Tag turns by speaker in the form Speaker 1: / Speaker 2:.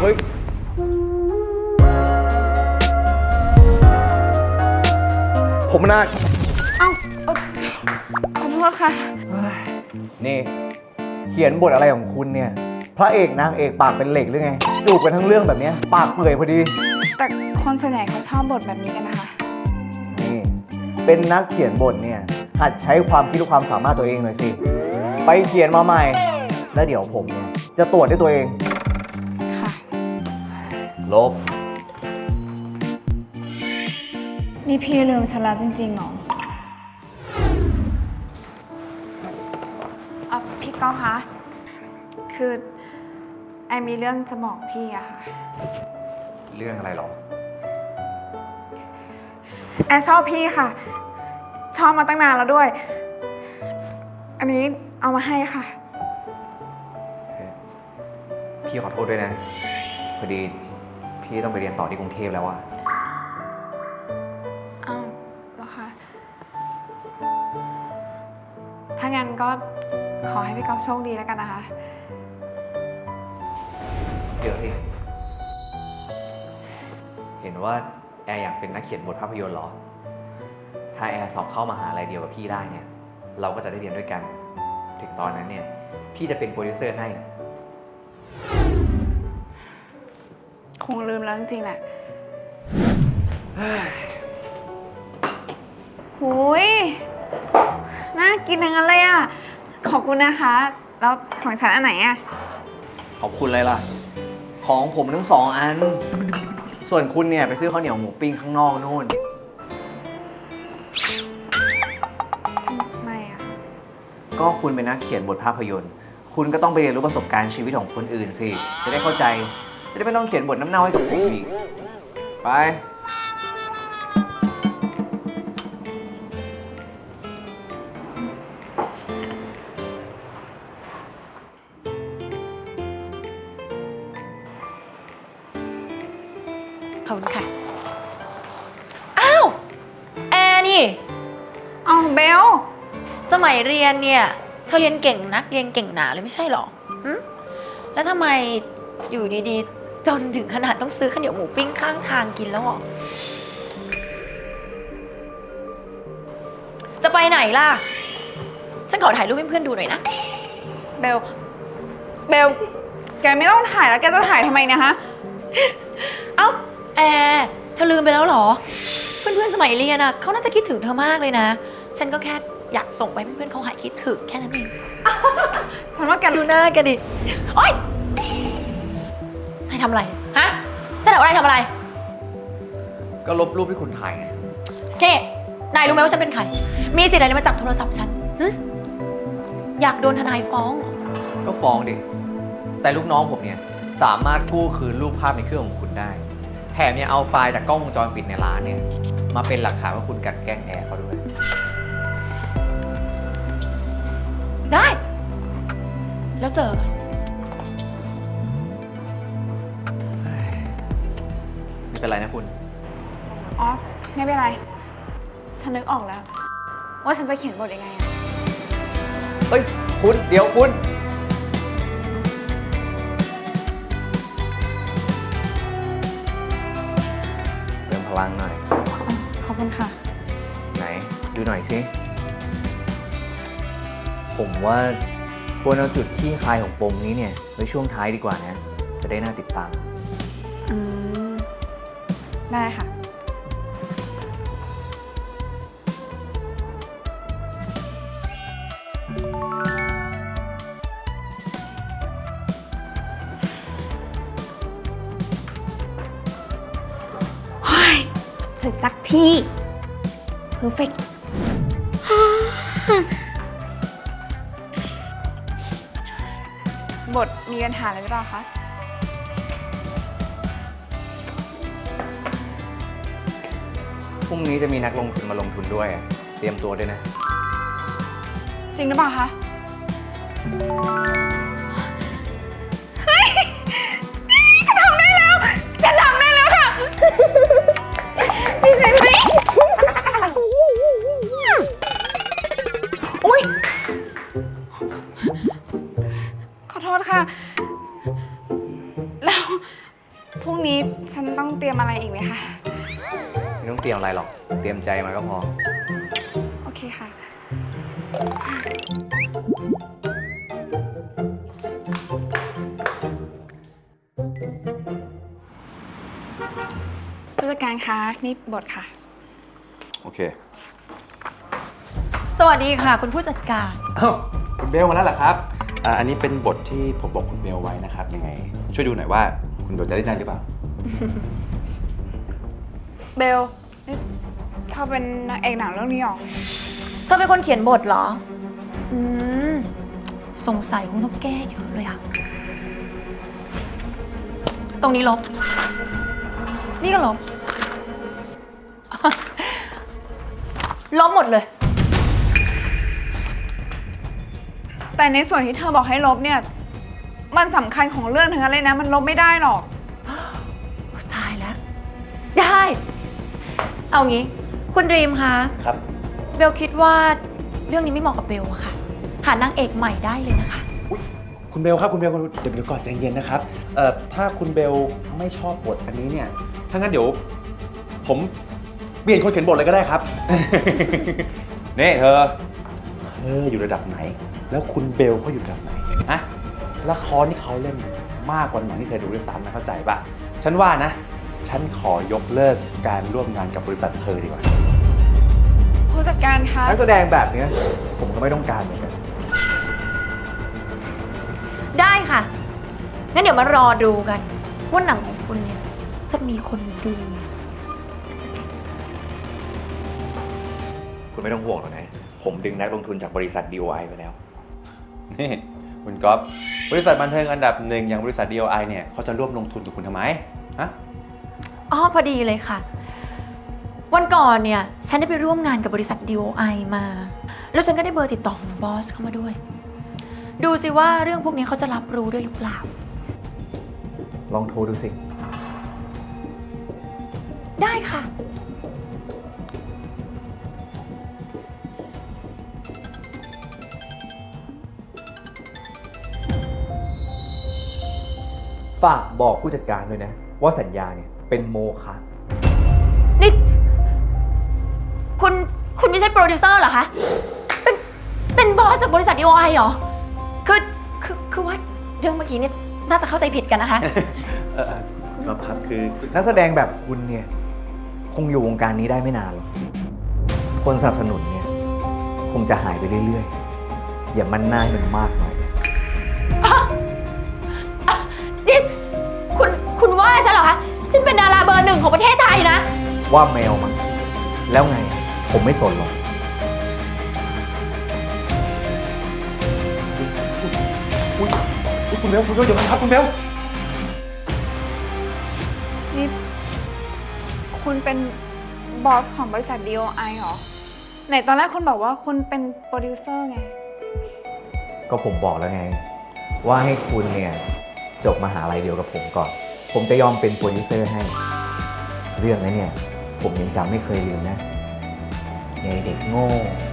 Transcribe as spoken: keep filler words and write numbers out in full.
Speaker 1: เฮ้ยผมนา
Speaker 2: เอ้าขอโทษค่ะ
Speaker 1: นี่เขียนบทอะไรของคุณเนี่ยพระเอกนางเอกปากเป็นเหล็กหรือไงจูบกันทั้งเรื่องแบบนี้ปากเปื่อยพอดี
Speaker 2: แต่คนส่วนใหญ่เขาชอบบทแบบนี้กันนะคะ
Speaker 1: นี่เป็นนักเขียนบทเนี่ยหัดใช้ความคิดและความสามารถตัวเองหน่อยสิไปเขียนมาใหม่แล้วเดี๋ยวผมเนี่ยจะตรวจด้วยตัวเอง
Speaker 2: ค่ะ
Speaker 1: ลบ
Speaker 2: นี่พี่ลืมฉันแล้วจริงๆเหรออ่ะพี่ก้องคะคือไอมีเรื่องจะบอกพี่อะค่ะ
Speaker 1: เรื่องอะไรหรอ
Speaker 2: แอชอบพี่ค่ะชอบมาตั้งนานแล้วด้วยอันนี้เอามาให้ค่ะ
Speaker 1: พี่ขอโทษด้วยนะพอดีพี่ต้องไปเรียนต่อที่กรุงเทพแล้วอะ
Speaker 2: อ้าวเหรอคะถ้างั้นก็ขอให้พี่ก๊อฟโชคดีแล้วกันนะคะ
Speaker 1: เดี๋ยวสิเห็นว่าแอร์อยากเป็นนักเขียนบทภาพยนตร์เหรอถ้าแอร์สอบเข้ามหาลัยเดียวกับพี่ได้เนี่ยเราก็จะได้เรียนด้วยกันถึงตอนนั้นเนี่ยพี่จะเป็นโปรดิวเซอร์ให้
Speaker 2: คงลืมแล้วจริงๆแหละหุยน่ากินทั้งนั้นเลยอ่ะขอบคุณนะคะแล้วของฉันอันไหนอ่ะ
Speaker 1: ขอบคุณเลยล่ะของผมทั้งสองอันส่วนคุณเนี่ยไปซื้อข้าวเหนียวหมูปิ้งข้างนอกนู่น
Speaker 2: ไม่อ่ะ
Speaker 1: ก็คุณเป็นนักเขียนบทภาพยนตร์คุณก็ต้องไปเรียนรู้ประสบการณ์ชีวิตของคนอื่นสิจะได้เข้าใจจะได้ไม่ต้องเขียนบทน้ำเน่าให้กับผมอีกไป
Speaker 3: ขอบคุณค่ะอ้าวแอร์นี่
Speaker 2: เอาเบล
Speaker 3: สมัยเรียนเนี่ยเธอเรียนเก่งนักเรียนเก่งหนาเลยไม่ใช่หรอหืแล้วทำไมอยู่ดีๆจนถึงขนาดต้องซื้อข้าวเหนียวหมูปิ้งข้างทางกินแล้วหรอจะไปไหนล่ะฉันขอถ่ายรูปให้เพื่อนดูหน่อยนะ
Speaker 2: เบลเบลแกไม่ต้องถ่ายแล้วแกจะถ่ายทำไมเนี่ยฮะ
Speaker 3: เอ้าแอร์เธอลืมไปแล้วหรอเพื่อนๆสมัยเรียนอะเขาน่าจะคิดถึงเธอมากเลยนะฉันก็แค่อยากส่งไปเพื่อนๆเขาหายคิดถึงแค่นั้นเอง
Speaker 2: ฉันว่าแก
Speaker 3: ดูหน้าแกดิโอ๊ยนายทำอะไรฮะฉันถามว่านายทำอะไร
Speaker 1: ก็ลบรูปที่คุณถ่ายไง
Speaker 3: เจ๊นายรู้ไหมว่าฉันเป็นใครมีสิทธิ์อะไรมาจับโทรศัพท์ฉันอยากโดนทนายฟ้อง
Speaker 1: ก็ฟ้องดิแต่ลูกน้องผมเนี่ยสามารถกู้คืนรูปภาพในเครื่องของคุณได้แถมยังเอาไฟล์จากกล้องวงจรปิดในร้านเนี่ยมาเป็นหลักฐานว่าคุณกลั่นแกล้งแอร์เขาด้วย
Speaker 3: ได้แล้วเจอกัน
Speaker 1: ไม่เป็นไรนะคุณ
Speaker 2: อ๋อไม่เป็นไรฉันนึกออกแล้วว่าฉันจะเขียนบทยังไงอะ
Speaker 1: เฮ้ยคุณเดี๋ยวคุณเติมพลังหน่อย
Speaker 2: ขอบคุณค่ะ
Speaker 1: ไหนดูหน่อยสิผมว่าควรเอาจุดขี้คายของปมนี้เนี่ยไว้ช่วงท้ายดีกว่านะจะได้น่าติดตาม
Speaker 2: อืมได้ค่ะเสร็จสักที่ perfect บทมีปัญหาอะไรหรือเปล่าคะ
Speaker 1: พรุ่งนี้จะมีนักลงทุนมาลงทุนด้วยเตรียมตัวด้วยนะ
Speaker 2: จริงหรือเปล่าคะเฮ้ยฉันทำได้แล้วฉันทำได้แล้วค่ะดีใจไหมอุ้ยขอโทษค่ะแล้วพรุ่งนี้ฉันต้องเตรียมอะไรอีกไหมคะ
Speaker 1: ไม่ต้องเตรียมอะไรหรอก เตรียมใจมาก็พอ
Speaker 2: โอเคค่ะ ผู้จัดการคะนี่บทค่ะ
Speaker 4: โอเค
Speaker 3: สวัสดีค่ะคุณผู้จัดการ
Speaker 4: อ้าวคุณเบลมาแล้วเหรอครับอ่าอันนี้เป็นบทที่ผมบอกคุณเบลไว้นะครับ ยังไง ช่วยดูหน่อยว่าคุณเบลจะได้ได้หรือเปล่า
Speaker 2: เบลนี่เขาเป็นนางเอกหนังเรื่องนี้หรอ
Speaker 3: เธอเป็นคนเขียนบทเหรอ อืม สงสัยคงต้องแก้เยอะเลยอะตรงนี้ลบ นี่ก็ลบ ลบหมดเลย
Speaker 2: แต่ในส่วนที่เธอบอกให้ลบเนี่ย มันสำคัญของเรื่องทั้งนั้นเลยนะ มันลบไม่ได้หรอก
Speaker 3: ตายแล้ว ได้ เอางี้ คุณดรีมคะ
Speaker 4: ครับ
Speaker 3: เบลคิดว่าเรื่องนี้ไม่เหมาะกับเบลอะค่ะ หานางเอกใหม่ได้เลยนะคะ
Speaker 4: คุณเบลครับคุณเบลคุณเดี๋ยวเดี๋ยวก่อนใจเย็นนะครับ เอ่อ ถ้าคุณเบลไม่ชอบบทอันนี้เนี่ย ถ้างั้นเดี๋ยว ผมเปลี่ยนคนเขียนบทเลยก็ได้ครับ นี่เธอ เธออยู่ระดับไหน แล้วคุณเบลเขาอยู่ระดับไหนอะละครที่เขาเล่นมากกว่าหนังที่เธอดูด้วยซ้ำนะเข้าใจปะฉันว่านะ ฉันขอยกเลิกการร่วมงานกับบริษัทเธอดีกว่า
Speaker 2: ผู้จัดการคะ
Speaker 1: นักแสดงแบบเนี้ยผมก็ไม่ต้องการเหมือนกัน
Speaker 3: ได้ค่ะ งั้นเดี๋ยวมารอดูกัน ว่าหนังของคุณเนี่ย จะมีคนดู
Speaker 1: คุณไม่ต้องห่วงหรอกนะ ผมดึงนักลงทุนจากบริษัท ดี โอ ไอ ไปแล้ว
Speaker 4: นี่คุณก๊อฟบริษัทบันเทิงอันดับหนึ่งอย่างบริษัท ดี โอ ไอ เนี่ยเขาจะร่วมลงทุนกับคุณทำไมฮะ
Speaker 3: อ๋อพอดีเลยค่ะ วันก่อนเนี่ย ฉันได้ไปร่วมงานกับบริษัท ดี โอ ไอ มา แล้วฉันก็ได้เบอร์ติดต่อของบอสเข้ามาด้วย ดูสิว่าเรื่องพวกนี้เขาจะรับรู้ด้วยหรือเปล่า
Speaker 1: ลองโทรดูสิ
Speaker 3: ได้ค่ะ
Speaker 1: ฝากบอกผู้จัดการด้วยนะ ว่าสัญญาเนี่ยเป็นโมฆะ
Speaker 3: นี่ คุณ คุณไม่ใช่โปรดิวเซอร์เหรอคะ เป็น เป็นบอสจากบริษัท ดี โอ ไอ เหรอ คือ คือ คือว่าเรื่องเมื่อกี้เนี่ยน่าจะเข้าใจผิดกันนะคะ
Speaker 4: เออครับครับคือ
Speaker 1: นักแสดงแบบคุณเนี่ย คงอยู่วงการนี้ได้ไม่นานหรอก คนสนับสนุนเนี่ย คงจะหายไปเรื่อยๆ อย่ามันหน้าให้มันมากหน่อย
Speaker 3: นี่ คุณ คุณว่าฉันเหรอคะ ฉันเป็นดาราเบอร์หนึ่งของประเทศไทยนะ
Speaker 1: ว่าแมวมั้งแล้วไง ผมไม่สนหรอก
Speaker 4: อุ๊ยอุ๊ยคุณเบลคุณเบลเดี๋ยวก่อนครับคุณเบล
Speaker 2: นี่ คุณเป็นบอสของบริษัท ดี โอ ไอ เหรอ ไหนตอนแรกคุณบอกว่าคุณเป็นโปรดิวเซอร์ไง
Speaker 1: ก็ผมบอกแล้วไง ว่าให้คุณเนี่ยจบมหาลัยเดียวกับผมก่อน ผมจะยอมเป็นโปรดิวเซอร์ให้ เรื่องนั้นเนี่ย ผมยังจำไม่เคยลืมนะไงเด็กโง่